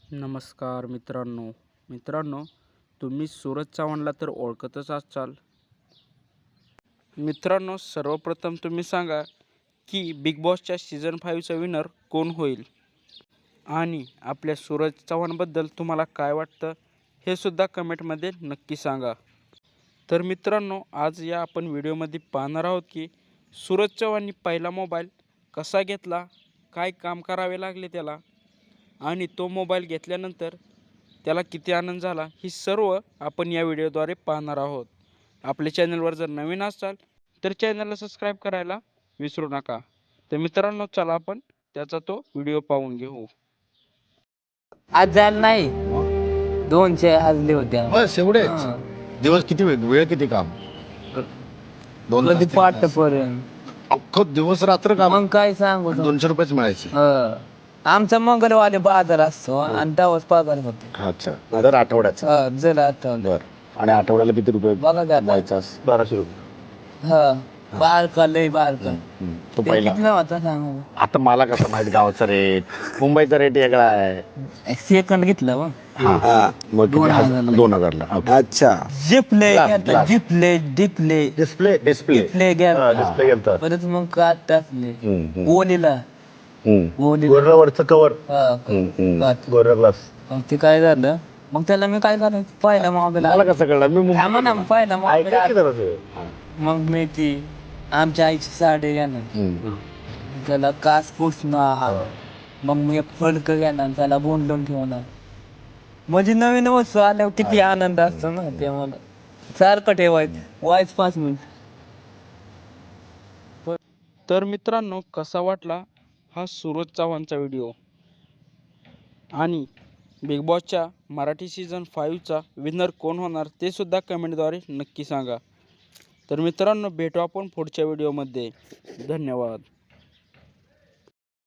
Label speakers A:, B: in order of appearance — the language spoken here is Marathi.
A: नमस्कार मित्रांनो तुम्ही सूरज चव्हाणला तर ओळखतच असाल. मित्रांनो, सर्वप्रथम तुम्ही सांगा की बिग बॉसच्या सीझन 5चा विनर कोण होईल आणि आपल्या सूरज चव्हाणबद्दल तुम्हाला काय वाटतं हे सुद्धा कमेंटमध्ये नक्की सांगा. तर मित्रांनो, आज या आपण व्हिडिओमध्ये पाहणार आहोत की सूरज चव्हाणनी पहिला मोबाईल कसा घेतला, काय काम करावे लागले त्याला आणि तो मोबाईल घेतल्यानंतर त्याला किती आनंद झाला, ही सर्व आपण या व्हिडिओद्वारे पाहणार आहोत. आपल्या चॅनलवर जर नवीन असाल तर चॅनलला सबस्क्राईब करायला विसरू नका. तर मित्रांनो, चला आपण त्याचा तो व्हिडिओ पाहून घेऊ.
B: आज झालं नाही 200 हजले होत्या
C: बस एवढेच दिवस. किती वेळ किती काम? दोन
B: कधी
C: तास, 3
B: पाठ
C: तास.
B: पर्यंत
C: अख्खं दिवस रात्र काम.
B: मग काय सांगू
C: 200 रुपयेच मिळायचे.
B: आमचा मंगळवारी बाजार असतो आणि त्यावर पगार होतो.
C: अच्छा, दर आठवड्याचा.
B: जर आठवलं
C: बर. आणि आठवड्याला किती रुपये
B: बघा का आता.
C: द्यायचा? 1200 रुपये.
B: बारका लय बारका
C: तो
B: ते
C: पहिला.
B: कितीला होता सांगू.
C: आता मला कसं माहित गावाचा रेट, मुंबईचा रेट वेगळा आहे.
B: सेकंड घेतलं मग
C: मग किती?
B: 2000 ला.
C: 2000 ला.
D: अच्छा.
B: जिपले
C: Glass.
B: जिपले डिपले
C: डिस्प्ले
B: डिपले घ्या
C: डिस्प्ले घेतात.
B: परत मग काट टाकले ओलीला
C: गोऱ्यावरचं कवर.
B: काट.
C: गोऱ्या ग्लास.
B: मग ते काय झालं, मग त्याला मी काय करायचं पाहिला मोबाईल
C: मला कसं कळलं? मी
B: थांबा ना, पाहिला
C: ऐका की
B: मोबाईल.
C: जरा ते.
B: मग मी ती आमच्या आईची साडी घेणार, त्याला कास पुसणार, मग मी एक फडक घेणार, त्याला बोंडून ठेवणार. म्हणजे नवीन वस्तू आल्यावर किती आनंद असतो ना, ते मला सारखं ठेवायचं. वाईच 5 मिनिट.
A: तर मित्रांनो, कसा वाटला हा सूरज चव्हाणचा व्हिडिओ आणि बिग बॉसच्या मराठी सीझन 5चा विनर कोण होणार ते सुद्धा कमेंटद्वारे नक्की सांगा. तर मित्रांनो, भेटू आपण पुढच्या व्हिडिओमध्ये. धन्यवाद.